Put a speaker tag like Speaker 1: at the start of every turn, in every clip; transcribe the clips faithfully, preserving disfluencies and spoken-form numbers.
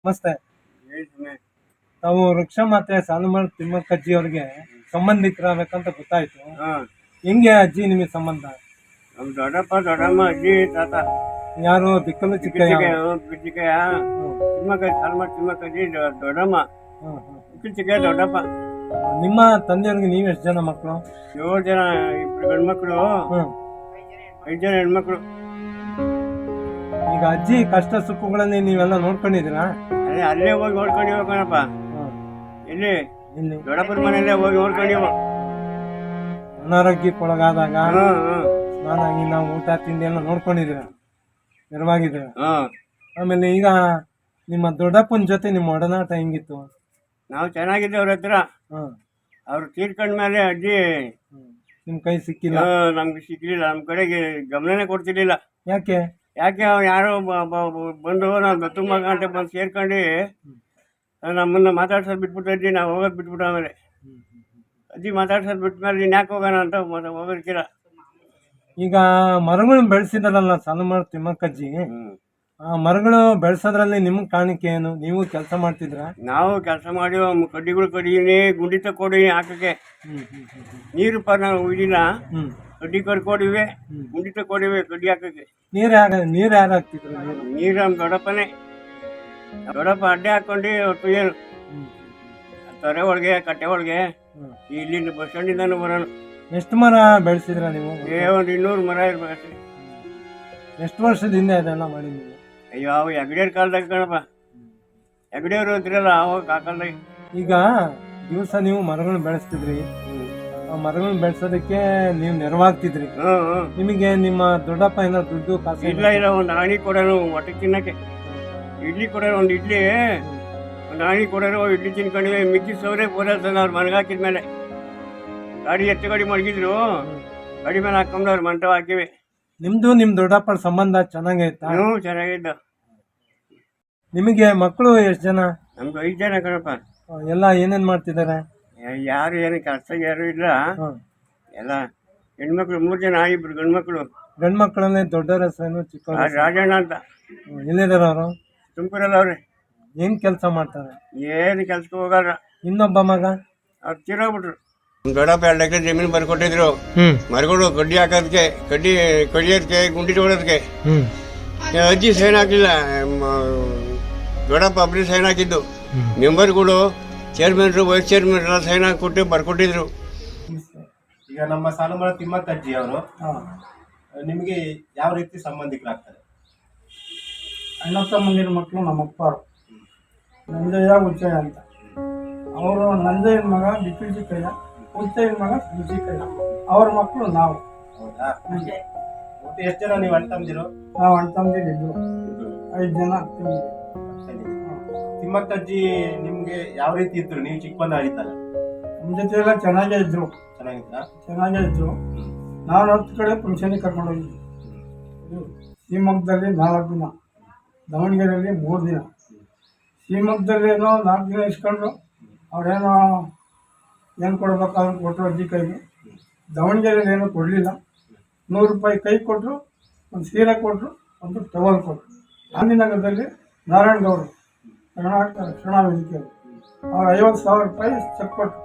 Speaker 1: ನಮಸ್ತೆ. ತಾವು ವೃಕ್ಷ ಮಾತೆ ಸಾಲುಮರದ ತಿಮ್ಮಕ್ಕಜ್ಜಿ ಅವ್ರಿಗೆ ಸಂಬಂಧಿಕರಾಗಬೇಕಂತ ಗೊತ್ತಾಯ್ತು. ಹೆಂಗೆ ಅಜ್ಜಿ ನಿಮಗೆ ಸಂಬಂಧ?
Speaker 2: ನಮ್ ದೊಡ್ಡಪ್ಪ ದೊಡ್ಡಮ್ಮ ಅಜ್ಜಿ ತಾತ
Speaker 1: ಯಾರು ಬಿಕ್ಕಲು ಚಿಕ್ಕಯ್ಯ?
Speaker 2: ಚಿಕ್ಕಯ್ಯ ತಿಮ್ಮಕ್ಕ ಸಾಲುಮರದ ತಿಮ್ಮಕ್ಕಜ್ಜಿ ದೊಡ್ಡಮ್ಮ ಚಿಕ್ಕಯ್ಯ ದೊಡ್ಡಪ್ಪ.
Speaker 1: ನಿಮ್ಮ ತಂದೆಯವ್ರಿಗೆ ನೀವು ಎಷ್ಟು ಜನ ಮಕ್ಕಳು?
Speaker 2: ಏಳು ಜನ, ಇಬ್ರು ಗಂಡ್ಮಕ್ಳು, ಐದು ಜನ ಹೆಣ್ಮಕ್ಳು.
Speaker 1: ಈಗ ಅಜ್ಜಿ ಕಷ್ಟ ಸುಖಗಳಲ್ಲಿ ನೀವೆಲ್ಲ ನೋಡ್ಕೊಂಡಿದ್ದೀರಾ?
Speaker 2: ಅದೇ ಅಲ್ಲೇ ಹೋಗಿ ನೋಡ್ಕೊಂಡಿವ ಕಣಪ್ಪ. ಎಲ್ಲಿ
Speaker 1: ಇಲ್ಲಿ
Speaker 2: ದೊಡ್ಡಪ್ಪನ ಮನೆಯಲ್ಲೇ ಹೋಗಿ ನೋಡ್ಕೊಂಡಿವ.
Speaker 1: ಅನಾರೋಗ್ಯಕ್ಕೊಳಗಾದಾಗ ಸ್ನಾನಾಗಿ ನಾವು ಊಟ ತಿಂಡಿ ಎಲ್ಲ ನೋಡ್ಕೊಂಡಿದ್ದೀರ, ನೆರವಾಗಿದ್ದೀರ. ಆಮೇಲೆ ಈಗ ನಿಮ್ಮ ದೊಡ್ಡಪ್ಪನ ಜೊತೆ ನಿಮ್ಮ ಒಡನಾಟ ಹೆಂಗಿತ್ತು?
Speaker 2: ನಾವು ಚೆನ್ನಾಗಿದ್ದೆ ಅವ್ರ ಹತ್ರ. ಅವ್ರು ತೀರ್ಕೊಂಡ್ಮೇಲೆ ಅಜ್ಜಿ
Speaker 1: ನಿಮ್ ಕೈ ಸಿಕ್ಕಿಲ್ಲ?
Speaker 2: ನಮ್ಗೆ ಸಿಕ್ಲಿಲ್ಲ, ನಮ್ ಕಡೆಗೆ ಗಮನನೇ ಕೊಡ್ತಿರ್ಲಿಲ್ಲ.
Speaker 1: ಯಾಕೆ?
Speaker 2: ಯಾಕೆ ಅವ್ರು ಯಾರೋ ಬಂದು ನಾವು ಗತ್ತು ಮಗ ಅಂತ ಬಂದು ಸೇರ್ಕೊಂಡು ನಮ್ಮನ್ನ ಮಾತಾಡ್ಸೋದು ಬಿಟ್ಬಿಟ್ಟು ಅಜ್ಜಿ ನಾವು ಹೋಗೋದು ಬಿಟ್ಬಿಟ್ಟು ಆಮೇಲೆ ಅಜ್ಜಿ ಮಾತಾಡ್ಸೋದು ಬಿಟ್ಮೇಲೆ ನೀನು ಯಾಕೆ ಹೋಗೋಣ ಅಂತ ಹೋಗೋದಕ್ಕಿಲ್ಲ.
Speaker 1: ಈಗ ಮರಗಳನ್ನ ಬೆಳೆಸಿದಾರಲ್ಲ ಸಾಲುಮರದ ತಿಮ್ಮಕ್ಕಜ್ಜಿ, ಆ ಮರಗಳು ಬೆಳೆಸೋದ್ರಲ್ಲಿ ನಿಮ್ಗೆ ಕಾಣಿಕೆ ಏನು? ನೀವು ಕೆಲಸ ಮಾಡ್ತಿದ್ರ?
Speaker 2: ನಾವು ಕೆಲಸ ಮಾಡಿ ಕಡ್ಡಿಗಳು ಕಡಿದೀನಿ, ಗುಂಡಿ ತಕ್ಕೊಡಿನಿ ಹಾಕಕ್ಕೆ. ನೀರು ಪ ನಾವು ಇದಿಲ್ಲ, ಕಡ್ಡಿ ಕಡ್ಕೊಡಿವೆ, ಗುಂಡಿ ತಕ್ಕೊಡಿವೆ ಕಡ್ಡಿ ಹಾಕಕ್ಕೆ.
Speaker 1: ನೀರು ಯಾರ ನೀರು ಯಾರು ಹಾಕ್ತಿದ್ರು?
Speaker 2: ನೀರು ನಮ್ಮ ದೊಡ್ಡಪ್ಪನೇ. ದೊಡ್ಡಪ್ಪ ಅಡ್ಡೆ ಹಾಕೊಂಡು ಹೊತ್ತು ಏನು ತೊರೆ ಒಳಗೆ ಕಟ್ಟೆ ಒಳಗೆ ಇಲ್ಲಿಂದ ಬಸ್ ಸ್ಟ್ಯಾಂಡಿಂದಾನು ಬರೋಣ.
Speaker 1: ಎಷ್ಟು ಮರ ಬೆಳೆಸಿದ್ರ ನೀವು?
Speaker 2: ಏ ಒಂದು ಇನ್ನೂರು ಮರ ಇರ್ಬೇಕು.
Speaker 1: ಎಷ್ಟು ವರ್ಷದಿಂದ ಇದೆಲ್ಲ ಮಾಡಿ ನೀವು?
Speaker 2: ಅಯ್ಯೋ ಅವು ಹೆಗ್ಡೆಯವ್ರ ಕಾಲದಾಗ ಕಣಪ್ಪ, ಹೆಗ್ಡೆಯವರು ಅಂತಿರಲ್ಲ ಅವಾಗ ಆ ಕಾಲದಾಗ.
Speaker 1: ಈಗ ದಿವಸ ನೀವು ಮರಗಳನ್ನ ಬೆಳೆಸ್ತಿದ್ರಿ, ಆ ಮರಗಳನ್ನ ಬೆಳೆಸೋದಕ್ಕೆ ನೀವು ನೆರವಾಗ್ತಿದ್ರಿ. ನಿಮಗೆ ನಿಮ್ಮ ದೊಡ್ಡಪ್ಪ ಏನೋ ದುಡ್ಡು ಕಾಸು?
Speaker 2: ಇಲ್ಲ ಇಲ್ಲ, ಒಂದು ಆಣಿ ಕೊಡೋರು ಹೊಟ್ಟೆ ತಿನ್ನಕ್ಕೆ. ಇಡ್ಲಿ ಕೊಡೋರು, ಒಂದು ಇಡ್ಲಿ ಒಂದು ಆಣಿ ಕೊಡೋರು, ಇಡ್ಲಿ ತಿನ್ಕೊಂಡಿವೆ. ಮಿಕ್ಕಿ ಸೌರೆ ಪೂರೈಸೋಣ ಅವ್ರು ಮನೆಗಾಕಿದ್ಮೇಲೆ. ಗಾಡಿ ಎತ್ತು ಗಾಡಿ ಮಡಗಿದ್ರು, ಗಾಡಿ ಮೇಲೆ ಹಾಕೊಂಡು ಅವ್ರು ಮಂಟಪ ಹಾಕಿವೆ.
Speaker 1: ನಿಮ್ದು ನಿಮ್ ದೊಡ್ಡಪ್ಪನ ಸಂಬಂಧ ಚೆನ್ನಾಗೈತಾ?
Speaker 2: ಹ್ಞೂ ಚೆನ್ನಾಗಿದ್ದ.
Speaker 1: ನಿಮಗೆ ಮಕ್ಕಳು ಎಷ್ಟು ಜನ?
Speaker 2: ನಮ್ಗೆ ಐದು ಜನ ಕಣಪ್ಪ.
Speaker 1: ಎಲ್ಲ ಏನೇನ್ ಮಾಡ್ತಿದ್ದಾರೆ?
Speaker 2: ಯಾರು ಏನು ಕೆಲಸ ಯಾರು ಇಲ್ಲ, ಎಲ್ಲ ಹೆಣ್ಮಕ್ಳು. ಮೂರು ಜನ, ಇಬ್ರು ಗಂಡ್ಮಕ್ಳು.
Speaker 1: ಗಂಡ್ ಮಕ್ಕಳನ್ನೇ ದೊಡ್ಡವ್ರ ಹೆಸರೇನು ಚಿಕ್ಕ?
Speaker 2: ರಾಜಣ್ಣ ಅಂತ.
Speaker 1: ಎಲ್ಲಿದಾರ ಅವರು?
Speaker 2: ತುಮಕೂರಲ್ಲಿ ಅವ್ರೆ.
Speaker 1: ಏನ್ ಕೆಲಸ ಮಾಡ್ತಾರೆ?
Speaker 2: ಏನು ಕೆಲ್ಸಕ್ಕೆ ಹೋಗಲ್ಲ.
Speaker 1: ಇನ್ನೊಬ್ಬ ಮಗ?
Speaker 2: ಅವ್ರು ತೀರೋಗ್ಬಿಟ್ರು. ದೊಡ್ಡಪ್ಪ ಎರಡು ಎಕರೆ ಜಮೀನು ಬರ್ಕೊಟ್ಟಿದ್ರು, ಮರಗಳು ಕಡ್ಡಿ ಹಾಕೋದಕ್ಕೆ, ಕಡ್ಡಿ ಕಡಿಯೋದಕ್ಕೆ, ಗುಂಡಿ ತೊಗೊಳೋದಕ್ಕೆ. ಅಜ್ಜಿ ಸೈನ್ ಹಾಕಿಲ್ಲ, ದೊಡ್ಡಪ್ಪ ಒಬ್ಬರು ಸೈನ್ ಹಾಕಿದ್ದು. ಮೆಂಬರ್ಗಳು, ಚೇರ್ಮನ್ರು, ವೈಸ್ ಚೇರ್ಮನ್ ಎಲ್ಲ ಸೈನ್ ಹಾಕಿಕೊಟ್ಟು ಬರ್ಕೊಟ್ಟಿದ್ರು.
Speaker 3: ಈಗ ನಮ್ಮ ಸಾಲುಮರದ ತಿಮ್ಮಕ್ಕಜ್ಜಿ ಅವರು ನಿಮಗೆ ಯಾವ ರೀತಿ ಸಂಬಂಧಿಕರಾಗ್ತಾರೆ?
Speaker 4: ಅಣ್ಣ ತಮ್ಮಂದಿರ ಮಕ್ಕಳು ನಮ್ಮಪ್ಪ ನಂಜಯ್ಯ ಉಚ್ಚಯ್ಯ ಅಂತ. ಅವರು ನಂಜಯ್ಯನ ಮಗ ಬಿಕ್ಕಿ ಚಿಕ್ಕಯ್ಯ, ಉಚ್ಚಯ್ಯನ ಮಗ ಚಿಕ್ಕಯ್ಯ. ಅವ್ರ ಮಕ್ಕಳು ನಾವು.
Speaker 3: ಹೌದಾ? ಮತ್ತೆ ಎಷ್ಟು ಜನ ನೀವು ಅಣ್ಣ ತಮ್ಮದಿರು?
Speaker 4: ನಾವು ಅಣ್ಣ ತಮ್ಮದಿರು ಐದು ಜನ.
Speaker 3: ತಿಮ್ಮಕ್ಕಜ್ಜಿ ನಿಮ್ಗೆ ಯಾವ ರೀತಿ ಇದ್ರು? ನೀವು ಚಿಕ್ಕ ಬಂದ ಆಗಿತ್ತಲ್ಲ,
Speaker 4: ನಮ್ಮ ಜೊತೆ ಎಲ್ಲ ಚೆನ್ನಾಗೇ ಇದ್ರು.
Speaker 3: ಚೆನ್ನಾಗಿದ್ರ?
Speaker 4: ಚೆನ್ನಾಗೇ ಇದ್ರು. ನಾನು ಹತ್ತು ಕಡೆ ಫಂಕ್ಷನಿಗೆ ಕರ್ಕೊಂಡು ಹೋಗಿದ್ವಿ. ಶಿವಮೊಗ್ಗದಲ್ಲಿ ನಾಲ್ಕು ದಿನ, ದಾವಣಗೆರೆಯಲ್ಲಿ ಮೂರು ದಿನ. ಶಿವಮೊಗ್ಗದಲ್ಲಿ ಏನೋ ನಾಲ್ಕು ದಿನ ಇಸ್ಕೊಂಡ್ರು. ಅವ್ರೇನೋ ಏನು ಕೊಡ್ಬೇಕಾದ್ರೆ ಕೊಟ್ಟರು ಅಜ್ಜಿ ಕೈಗೆ. ದಾವಣಗೆರೆಯಲ್ಲಿ ಏನೂ ಕೊಡಲಿಲ್ಲ. ನೂರು ರೂಪಾಯಿ ಕೈ ಕೊಟ್ಟರು, ಒಂದು ಸೀರೆ ಕೊಟ್ಟರು, ಒಂದು ಟವಲ್ ಕೊಟ್ಟರು. ಗಾಂಧಿನಗರದಲ್ಲಿ ನಾರಾಯಣಗೌಡರು ಕರ್ನಾಟಕ ರಕ್ಷಣಾ ವೇದಿಕೆಯವರು ಅವ್ರು ಐವತ್ತು ಸಾವಿರ ರೂಪಾಯಿ ಚೆಕ್ ಕೊಟ್ಟರು.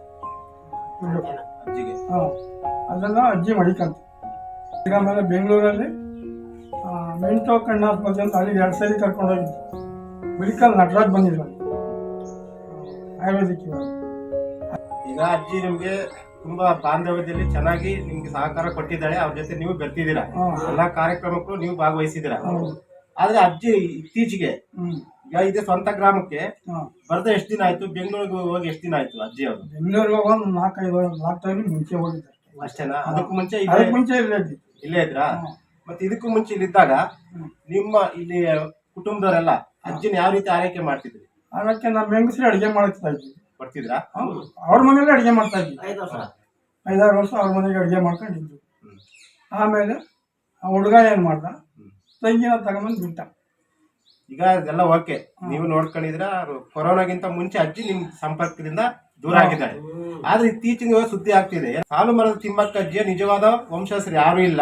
Speaker 4: ಹಾಂ, ಅದನ್ನು ಅಜ್ಜಿ ಮಡಿಕಂತ. ಈಗ ಆಮೇಲೆ ಬೆಂಗಳೂರಲ್ಲಿ ಮೆಂಟೋ ಕಣ್ಣು ಆಸ್ಪತ್ರೆ ಅಂತ ಅಲ್ಲಿಗೆ ಎರಡು ಸರಿ ಕರ್ಕೊಂಡು ಹೋಗಿದ್ದು. ಮೆಡಿಕಲ್ ನಟರಾಜ್ ಬಂದಿದ್ರು, ಆಯುರ್ವೇದಿಕ್.
Speaker 3: ಈಗ ಅಜ್ಜಿ ನಿಮ್ಗೆ ತುಂಬಾ ಬಾಂಧವ್ಯದಲ್ಲಿ ಚೆನ್ನಾಗಿ ನಿಮ್ಗೆ ಸಹಕಾರ ಕೊಟ್ಟಿದ್ದಾಳೆ. ಅವ್ರ ಜೊತೆ ನೀವು ಬರ್ತಿದ್ದೀರಾ, ಎಲ್ಲಾ ಕಾರ್ಯಕ್ರಮಕ್ಕೂ ನೀವು ಭಾಗವಹಿಸಿದ್ದೀರಾ. ಆದ್ರೆ ಅಜ್ಜಿ ಇತ್ತೀಚೆಗೆ ಈಗ ಇದೆ ಸ್ವಂತ ಗ್ರಾಮಕ್ಕೆ ಬರ್ದ ಎಷ್ಟು ದಿನ ಆಯ್ತು? ಬೆಂಗಳೂರಿಗೆ ಹೋಗಿ ಎಷ್ಟು ದಿನ ಆಯ್ತು ಅಜ್ಜಿ ಅವರು?
Speaker 4: ಬೆಂಗಳೂರಿಗೆ ಹೋಗಿ ಒಂದು ನಾಲ್ಕೈದು ನಾಲ್ಕು ತಿಂಗಳು ಮುಂಚೆ ಹೋಗಿದ್ದಾರೆ
Speaker 3: ಅಷ್ಟೇನಾ? ಅದಕ್ಕೂ ಮುಂಚೆ
Speaker 4: ಅದಕ್ಕೆ ಮುಂಚೆ ಇಲ್ಲೇ
Speaker 3: ಇಲ್ಲೇ ಇದ್ರಾ? ಮತ್ತೆ ಇದಕ್ಕೂ ಮುಂಚೆ ಇಲ್ಲಿದ್ದಾಗ ನಿಮ್ಮ ಇಲ್ಲಿ ಕುಟುಂಬದವರೆಲ್ಲ ಅಜ್ಜಿನ ಯಾವ ರೀತಿ ಆರೈಕೆ ಮಾಡ್ತಿದ್ರಿ?
Speaker 4: ಅದಕ್ಕೆ ನಮ್ಮ ಹೆಂಗಸರು ಅಡುಗೆ ಮಾಡ್ತಾ ಇದ್ವಿ.
Speaker 3: ಬರ್ತಿದ್ರಾ?
Speaker 4: ಅವ್ರ ಮನೇಲಿ ಅಡುಗೆ ಮಾಡ್ತಾ ಇದ್ವಿ. ಐದಾರು ವರ್ಷ ಅವ್ರ ಮನೆಗೆ ಅಡುಗೆ ಮಾಡ್ಕೊಂಡಿದ್ವಿ. ಆಮೇಲೆ ಆ ಹುಡುಗ ಏನು ಮಾಡ್ದ, ತಂಗಿನ ತಗೊಂಬಂದು ಬಿಟ್ಟ.
Speaker 3: ಈಗ ಅದೆಲ್ಲ ಓಕೆ, ನೀವು ನೋಡ್ಕೊಂಡಿದ್ರ. ಕೊರೋನಾಗಿಂತ ಮುಂಚೆ ಅಜ್ಜಿ ನಿಮ್ ಸಂಪರ್ಕದಿಂದ ದೂರ ಆಗಿದ್ದಾರೆ. ಆದ್ರೆ ಇತ್ತೀಚಿನ ಸುದ್ದಿ ಆಗ್ತಿದೆ, ಸಾಲುಮರದ ತಿಮ್ಮಕ್ಕಜ್ಜಿಯ ನಿಜವಾದ ವಂಶಸ್ಥರು ಯಾರು ಇಲ್ಲ,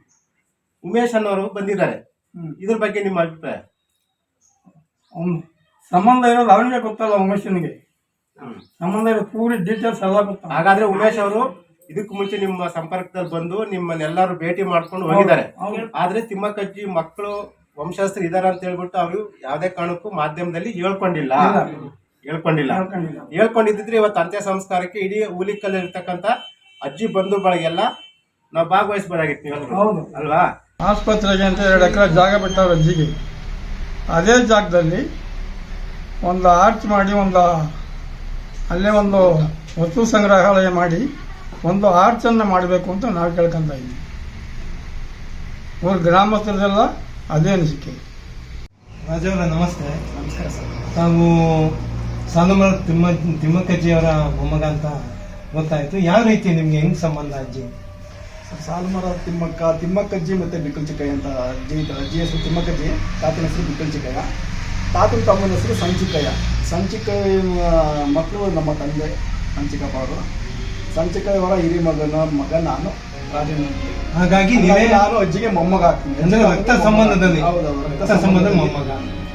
Speaker 3: ಉಮೇಶ್ ಅನ್ನೋರು ಬಂದಿದ್ದಾರೆ. ಇದ್ರ ಬಗ್ಗೆ ನಿಮ್ಮ ಅಭಿಪ್ರಾಯ?
Speaker 4: ಸಂಬಂಧ ಇರೋದು ಅವನಿಗೆ ಗೊತ್ತಲ್ಲ ಉಮೇಶನಿಗೆ. ಸಂಬಂಧ ಇರೋ ಪೂರಿ ಡೀಟೇಲ್ಸ್ ಎಲ್ಲ ಗೊತ್ತ.
Speaker 3: ಹಾಗಾದ್ರೆ ಉಮೇಶ್ ಅವರು ಇದಕ್ಕೂ ಮುಂಚೆ ನಿಮ್ಮ ಸಂಪರ್ಕದಲ್ಲಿ ಬಂದು ನಿಮ್ಮನ್ನೆಲ್ಲರೂ ಭೇಟಿ ಮಾಡ್ಕೊಂಡು ಹೋಗಿದ್ದಾರೆ. ಆದ್ರೆ ತಿಮ್ಮಕ್ಕಜ್ಜಿ ಮಕ್ಕಳು ವಂಶಸ್ಥರು ಇದಾರೆ ಅಂತ ಹೇಳ್ಬಿಟ್ಟು ಅವರು ಯಾವ್ದೇ ಕಾರಣಕ್ಕೂ ಮಾಧ್ಯಮದಲ್ಲಿ ಹೇಳ್ಕೊಂಡಿಲ್ಲ ಹೇಳ್ಕೊಂಡಿಲ್ಲ ಹೇಳ್ಕೊಂಡಿದ್ರೆ ಇವತ್ತು ಅಂತ್ಯ ಸಂಸ್ಕಾರಕ್ಕೆ ಇಡೀ ಹುಲಿಕಲ್ಲಿ ಇರ್ತಕ್ಕಂಥ ಅಜ್ಜಿ ಬಂಧು ಬಳಗೆಲ್ಲ ನಾವು ಭಾಗವಹಿಸಬಹುದಾಗಿತ್ತು
Speaker 4: ಹೌದು
Speaker 3: ಅಲ್ವಾ.
Speaker 4: ಆಸ್ಪತ್ರೆಗೆ ಅಂತ ಎರಡು ಎಕರೆ ಜಾಗ ಬಿಟ್ಟವ್ರ ಅಜ್ಜಿಗೆ. ಅದೇ ಜಾಗದಲ್ಲಿ ಒಂದು ಆರ್ಚ್ ಮಾಡಿ ಒಂದು ಅಲ್ಲೇ ಒಂದು ವಸ್ತು ಸಂಗ್ರಹಾಲಯ ಮಾಡಿ ಒಂದು ಆರ್ಚನ್ನು ಮಾಡಬೇಕು ಅಂತ ನಾವು ಕೇಳ್ಕೊಂತ ಇದ್ದೀವಿ. ಊರ ಗ್ರಾಮಸ್ಥರದೆಲ್ಲ ಅದೇ ಅನಿಸಿಕೆ.
Speaker 1: ರಾಜವರ ನಮಸ್ತೆ.
Speaker 4: ನಮಸ್ಕಾರ ಸರ್.
Speaker 1: ತಾವು ಸಾಲುಮರ ತಿಮ್ಮ ತಿಮ್ಮಕ್ಕಜ್ಜಿಯವರ ಮೊಮ್ಮಗ ಅಂತ ಗೊತ್ತಾಯ್ತು. ಯಾವ ರೀತಿ ನಿಮ್ಗೆ ಹೆಂಗ್ ಸಂಬಂಧ ಅಜ್ಜಿ?
Speaker 5: ಸಾಲುಮರ ತಿಮ್ಮಕ್ಕ ತಿಮ್ಮಕ್ಕಜ್ಜಿ ಮತ್ತೆ ಬಿಕ್ಕಲ್ ಚಿಕ್ಕಯ್ಯ ಅಂತ ಅಜ್ಜಿ ಅಜ್ಜಿ ಹೆಸರು ತಿಮ್ಮಕ್ಕಜ್ಜಿ, ತಾತನ ಹೆಸರು ಬಿಕ್ಕಲ್ ಚಿಕ್ಕಯ್ಯ. ತಾತನ ತಮ್ಮನ ಹೆಸರು ಸಂಚಿಕಯ್ಯ. ಸಂಚಿಕಯ್ಯ ಮಕ್ಕಳು ನಮ್ಮ ತಂದೆ ಸಂಚಿಕಪ್ಪ ಅವರು. ಸಂಚಿಕಯ್ಯವರ ಹಿರಿ ಮಗನ ಮಗ ನಾನು ರಾಜೇಂದ್ರ.
Speaker 1: ಹಾಗಾಗಿ ನೀವೇ
Speaker 5: ನಾನು ಅಜ್ಜಿಗೆ ಮೊಮ್ಮಗ ಆಗ್ತೀನಿ.
Speaker 1: ಅಂದ್ರೆ ರಕ್ತ ಸಂಬಂಧದಲ್ಲಿ
Speaker 5: ಹೌದೌದು,
Speaker 1: ರಕ್ತ ಸಂಬಂಧ ಮೊಮ್ಮಗ.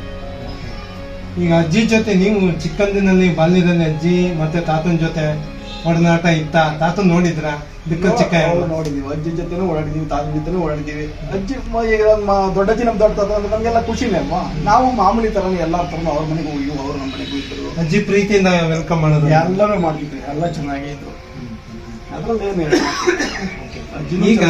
Speaker 1: ಈಗ ಅಜ್ಜಿ ಜೊತೆ ನೀವು ಚಿಕ್ಕಂದಿನಲ್ಲಿ ಬಾಲ್ಯದಲ್ಲಿ ಅಜ್ಜಿ ಮತ್ತೆ ತಾತನ ಜೊತೆ ಒಡನಾಟ ಇತ್ತ? ತಾತನ್ ನೋಡಿದ್ರ? ಬಿಕ್ಕಲ್ ಚಿಕ್ಕಯ್ಯ
Speaker 5: ನೋಡಿದೀವಿ, ಅಜ್ಜಿ ಜೊತೆನೂ ಓಡಾಡಿದೀವಿ, ತಾತನ ಜೊತೆನೂ ಓಡಾಡಿದೀವಿ. ಅಜ್ಜಿ ಮ- ಈಗ ನಮ್ಮ ದೊಡ್ಡಜ್ಜಿ ನಮ್ ದೊಡ್ಡ ತಾತ ಅಂದ್ರೆ ನಮ್ಗೆಲ್ಲ ಖುಷಿನೇ ಅಲ್ವಾ. ನಾವು ಮಾಮೂಲಿ ತರನೇ ಎಲ್ಲಾರ ತರನು ಅವ್ರ ಮನೆಗೆ ಹೋಗಿ ಅವ್ರು ನಮ್ಮ ಮನೆಗೆ ಹೋಗಿದ್ರು.
Speaker 1: ಅಜ್ಜಿ ಪ್ರೀತಿಯಿಂದ ವೆಲ್ಕಮ್ ಮಾಡೋದು
Speaker 5: ಎಲ್ಲರೂ ಮಾಡ್ತಿದ್ವಿ, ಎಲ್ಲ ಚೆನ್ನಾಗೇ ಇದ್ರು. ಅದ್ರಲ್ಲಿ ಏನು ಹೇಳಿ.
Speaker 1: ಈಗ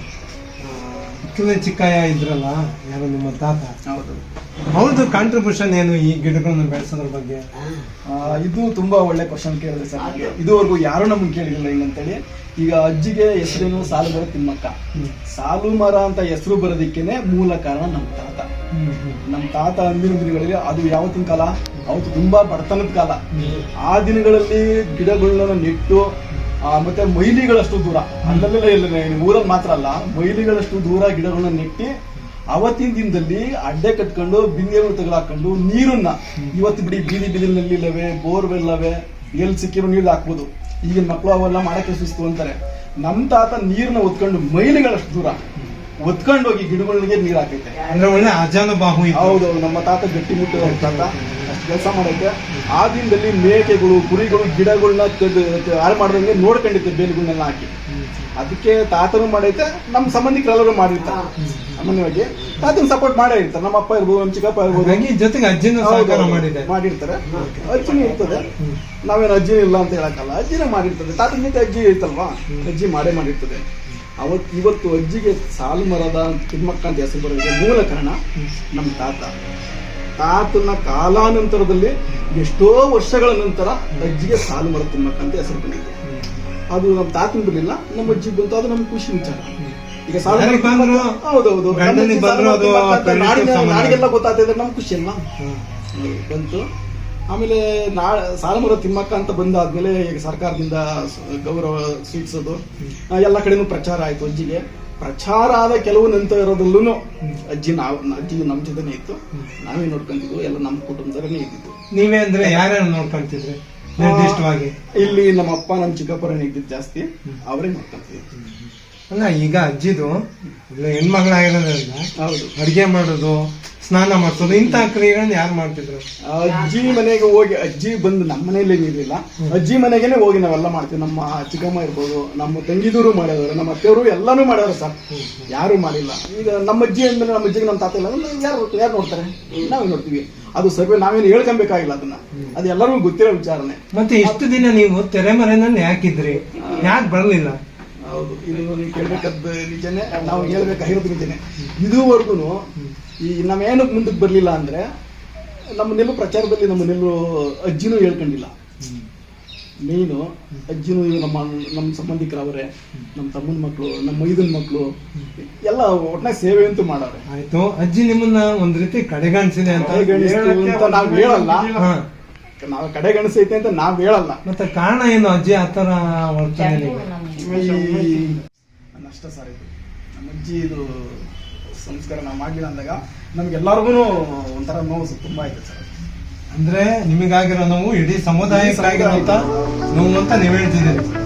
Speaker 1: ಬಿಕ್ಕಲ್ ಚಿಕ್ಕಯ್ಯ ಇದ್ರಲ್ಲ, ಯಾರು ನಿಮ್ಮ ತಾತ,
Speaker 5: ಹೌದು.
Speaker 1: ಅವ್ರದ್ದು ಕಾಂಟ್ರಿಬ್ಯೂಷನ್ ಏನು ಈ ಗಿಡಗಳನ್ನ ಬೆಳೆಸೋದ್ರ ಬಗ್ಗೆ?
Speaker 5: ಆ, ಇದು ತುಂಬಾ ಒಳ್ಳೆ ಕ್ವಶನ್ ಕೇಳಿದ್ರೆ ಸರ್. ನನಗೆ ಇದುವರೆಗೂ ಯಾರು ನಮ್ಗೆ ಕೇಳಿರಲಿಲ್ಲ ಹಿಂಗಂತೇಳಿ. ಈಗ ಅಜ್ಜಿಗೆ ಹೆಸರೇನು ಸಾಲುಮರ ತಿಮ್ಮಕ್ಕ. ಸಾಲುಮರ ಅಂತ ಹೆಸರು ಬರೋದಕ್ಕೇನೆ ಮೂಲ ಕಾರಣ ನಮ್ಮ ತಾತ. ನಮ್ಮ ತಾತ ಅಂದಿನ ದಿನಗಳಲ್ಲಿ, ಅದು ಯಾವತ್ತಿನ ಕಾಲ, ಅವತ್ತು ತುಂಬಾ ಬಡತನದ ಕಾಲ. ಆ ದಿನಗಳಲ್ಲಿ ಗಿಡಗಳನ್ನ ನೆಟ್ಟು ಆ, ಮತ್ತೆ ಮೈಲಿಗಳಷ್ಟು ದೂರ, ಅಲ್ಲೆಲ್ಲ ಇಲ್ಲ ಊರಲ್ಲಿ ಮಾತ್ರ ಅಲ್ಲ, ಮೈಲಿಗಳಷ್ಟು ದೂರ ಗಿಡಗಳನ್ನ ನೆಟ್ಟಿ ಅವತ್ತಿನ ದಿನದಲ್ಲಿ ಅಡ್ಡೆ ಕಟ್ಕೊಂಡು ಬಿಂದಿಗೆಗಳು ತಗಲಾಕೊಂಡು ನೀರನ್ನ, ಇವತ್ತು ಬಿಡಿ ಬೀದಿ ಬೀದಿನಲ್ಲಿ ಇಲ್ಲವೆ ಬೋರ್ವೆಲ್ ಅವೆ, ಎಲ್ಲಿ ಸಿಕ್ಕಿರೋ ನೀರು ಹಾಕ್ಬೋದು. ಈಗಿನ ಮಕ್ಕಳು ಅವೆಲ್ಲ ಮಾಡಕ್ಕೆ ಸುಸ್ತು ಅಂತಾರೆ. ನಮ್ಮ ತಾತ ನೀರನ್ನ ಒತ್ಕೊಂಡು ಮೈಲಿಗಳಷ್ಟು ದೂರ ಒತ್ಕೊಂಡು ಹೋಗಿ ಗಿಡಗಳಿಗೆ ನೀರ್ ಹಾಕೈತೆ.
Speaker 1: ಅಂದ್ರೆ ಒಳ್ಳೆ ಅಜಾನುಬಾಹು ಇತ್ತು.
Speaker 5: ಹೌದು, ನಮ್ಮ ತಾತ ಗಟ್ಟಿ ಮುಟ್ಟು ತಾತ ಅಷ್ಟು ಕೆಲಸ ಮಾಡೈತೆ. ಆ ದಿನದಲ್ಲಿ ಮೇಕೆಗಳು ಕುರಿಗಳು ಗಿಡಗಳನ್ನ ಹಾಳು ಮಾಡ್ದಂಗೆ ನೋಡ್ಕೊಂಡಿದ್ದೆ, ಬೇಲಿಗಳನ್ನೆಲ್ಲ ಹಾಕಿ. ಅದಕ್ಕೆ ತಾತನು ಮಾಡೈತೆ, ನಮ್ಮ ಸಂಬಂಧಿಕರೆಲ್ಲರೂ ಮಾಡಿರ್ತಾರೆ. ಸಾಮಾನ್ಯವಾಗಿ ತಾತನ ಸಪೋರ್ಟ್ ಮಾಡೇ ಇರ್ತಾರೆ. ನಮ್ಮ ಅಪ್ಪ ಇರ್ಬೋದು, ನಮ್ಮ ಚಿಕ್ಕಪ್ಪ ಇರ್ಬೋದು,
Speaker 1: ಹಾಗಾಗಿ ಜೊತೆಗೆ ಅಜ್ಜಿನ ಸಹಕಾರ ಮಾಡಿದೆ
Speaker 5: ಮಾಡಿರ್ತಾರೆ. ಅಜ್ಜಿನೂ ಇರ್ತದೆ, ನಾವೇನು ಅಜ್ಜಿ ಇಲ್ಲ ಅಂತ ಹೇಳಕ್ಕಲ್ಲ, ಅಜ್ಜಿನೇ ಮಾಡಿರ್ತದೆ. ತಾತನ ಜೊತೆ ಅಜ್ಜಿ ಇರ್ತಲ್ವಾ, ಅಜ್ಜಿ ಮಾಡೇ ಮಾಡಿರ್ತದೆ. ಅವತ್ತು ಇವತ್ತು ಅಜ್ಜಿಗೆ ಸಾಲುಮರದ ತಿಮ್ಮಕ್ಕ ಅಂತ ಹೆಸರು ಬರೋದಕ್ಕೆ ಮೂಲ ಕಾರಣ ನಮ್ಮ ತಾತ. ತಾತನ ಕಾಲಾನಂತರದಲ್ಲಿ ಎಷ್ಟೋ ವರ್ಷಗಳ ನಂತರ ಅಜ್ಜಿಗೆ ಸಾಲುಮರ ತಿಮ್ಮಕ್ಕ ಅಂತ ಹೆಸರು ಬಂದಿದೆ. ಅದು ನಮ್ಮ ತಾತನ ಬರಲಿಲ್ಲ, ನಮ್ಮ ಅಜ್ಜಿ ಬಂತು. ಅದು ನಮ್ಗೆ ಖುಷಿ ವಿಚಾರ. ಈಗ ಸಾಲುಮರ
Speaker 1: ಬಂದ್ರು,
Speaker 5: ಹೌದೌದು,
Speaker 1: ಗಂಡನಿಗೆ ಬಂದ್ರು, ಅದು
Speaker 5: ನಾಡಿಗೆಲ್ಲ ಗೊತ್ತಾಗ್ತಿದ್ರೆ ನಮ್ಗೆ ಖುಷಿ ಅಲ್ಲ ಬಂತು. ಆಮೇಲೆ ನಾ ಸಾಲುಮರ ತಿಮ್ಮಕ್ಕ ಅಂತ ಬಂದಾದ್ಮೇಲೆ ಈಗ ಸರ್ಕಾರದಿಂದ ಗೌರವ ಸ್ವೀಕರಿಸೋದು ಎಲ್ಲ ಕಡೆನೂ ಪ್ರಚಾರ ಆಯ್ತು. ಅಜ್ಜಿಗೆ ಪ್ರಚಾರ ಆದ ಕೆಲವು ನಂತರದಲ್ಲೂ ಅಜ್ಜಿ ನಾವು ಅಜ್ಜಿ ನಮ್ಮ ಜೊತೆನೇ ಇತ್ತು, ನಾವೇ ನೋಡ್ಕೊಂತಿದ್ವು, ಎಲ್ಲ ನಮ್ಮ ಕುಟುಂಬದವರೇ ಇದ್ದಿದ್ದು.
Speaker 1: ನೀವೇ ಅಂದ್ರೆ ಯಾರ್ಯಾರು ನೋಡ್ಕೊಂತಿದ್ರಿ ನಿರ್ದಿಷ್ಟವಾಗಿ?
Speaker 5: ಇಲ್ಲಿ ನಮ್ಮ ಅಪ್ಪ ನಮ್ಮ ಚಿಕ್ಕಪ್ಪರನ್ನ ಇದ್ದಿದ್ದು ಜಾಸ್ತಿ, ಅವರೇ ನೋಡ್ಕೊಂತಿದ್ವಿ.
Speaker 1: ಅಲ್ಲ, ಈಗ ಅಜ್ಜಿದು ಹೆಣ್ಮಗಳಾಗಿರೋದ್ರಿಂದ
Speaker 5: ಹೌದು,
Speaker 1: ಅಡಿಗೆ ಮಾಡೋದು, ಸ್ನಾನ ಮಾಡಿಸೋದು, ಇಂತಹ ಕ್ರಿಯೆಗಳನ್ನ ಯಾರು ಮಾಡ್ತಿದ್ರು?
Speaker 5: ಅಜ್ಜಿ ಮನೆಗೆ ಹೋಗಿ, ಅಜ್ಜಿ ಬಂದು ನಮ್ಮ ಮನೆಯಲ್ಲೇ ಇರಲಿಲ್ಲ, ಅಜ್ಜಿ ಮನೆಗೇನೆ ಹೋಗಿ ನಾವೆಲ್ಲ ಮಾಡ್ತೀವಿ. ನಮ್ಮ ಚಿಕ್ಕಮ್ಮ ಇರ್ಬೋದು, ನಮ್ಮ ತಂಗಿದೂರು ಮಾಡಿದವರು, ನಮ್ಮ ಅತ್ತೆಯವರು ಎಲ್ಲಾನು ಮಾಡ್ಯಾರ ಸರ್, ಯಾರು ಮಾಡಿಲ್ಲ. ಈಗ ನಮ್ಮ ಅಜ್ಜಿ ಅಂದ್ಮೇಲೆ ನಮ್ಮ ಅಜ್ಜಿಗೆ ನಮ್ಮ ತಾತ ಇಲ್ಲ, ಯಾರು ಯಾರು ನೋಡ್ತಾರೆ? ನಾವೇ ನೋಡ್ತೀವಿ. ಅದು ಸರ್ವೆ ನಾವೇನು ಹೇಳ್ಕೊಬೇಕಾಗಿಲ್ಲ, ಅದನ್ನ ಅದು ಎಲ್ಲರಿಗೂ ಗೊತ್ತಿರೋ ವಿಚಾರನೆ.
Speaker 1: ಮತ್ತೆ ಇಷ್ಟು ದಿನ ನೀವು ತೆರೆಮರೆನಲ್ಲಿ ಯಾಕಿದ್ರಿ, ಯಾಕೆ ಬರಲಿಲ್ಲ?
Speaker 5: ಹೌದು, ಇದು ನೀವು ಕೇಳ್ಬೇಕಾದ ನಿಜನೇ, ನಾವು ಹೇಳ್ಬೇಕಾಗಿರೋದು ನಿಜನೇ. ಇದುವರೆಗೂ ಈ ನಾವೇನಕ್ಕೆ ಮುಂದಕ್ಕೆ ಬರಲಿಲ್ಲ ಅಂದ್ರೆ, ನಮ್ಮನ್ನೆಲ್ಲೂ ಪ್ರಚಾರದಲ್ಲಿ ನಮ್ಮನ್ನೆಲ್ಲೂ ಅಜ್ಜಿನೂ ಹೇಳ್ಕೊಂಡಿಲ್ಲ. ಮೇಯ್ನು ಅಜ್ಜಿನೂ ನಮ್ಮ ನಮ್ಮ ಸಂಬಂಧಿಕರವರೇ, ನಮ್ಮ ತಮ್ಮನ ಮಕ್ಕಳು, ನಮ್ಮ ಮೈದನ ಮಕ್ಕಳು ಎಲ್ಲ ಒಟ್ನಾಗ ಸೇವೆ ಅಂತೂ ಮಾಡವ್ರೆ.
Speaker 1: ಆಯ್ತು, ಅಜ್ಜಿ ನಿಮ್ಮನ್ನ ಒಂದ್ ರೀತಿ ಕಡೆಗಣಿಸಿದೆ ಅಂತ
Speaker 5: ಅಂತ ನಾವ್ ಹೇಳಲ್ಲ, ನಾವ್ ಕಡೆಗಣಿಸೈತೆ ಅಂತ ನಾವ್ ಹೇಳಲ್ಲ.
Speaker 1: ಮತ್ತೆ ಕಾರಣ ಏನು ಅಜ್ಜಿ ಆತರ ವರ್ತನೆ?
Speaker 5: ಅಷ್ಟ ಸರ್, ಇದು ನಮ್ಮ ಅಜ್ಜಿ ಇದು ಸಂಸ್ಕಾರ ನಾವು ಮಾಡಲಿಲ್ಲ ಅಂದಾಗ ನಮ್ಗೆಲ್ಲರಿಗೂ ಒಂಥರ ನೋವು ತುಂಬಾ ಆಯ್ತು ಸರ್.
Speaker 1: ಅಂದ್ರೆ ನಿಮಗಾಗಿರೋ ನೋವು ಇಡೀ ಸಮುದಾಯಕ್ಕಾಗಿರೋ ನೋವು ಅಂತ ನೀವ್ ಹೇಳ್ತಿದ್ದೀರಿ.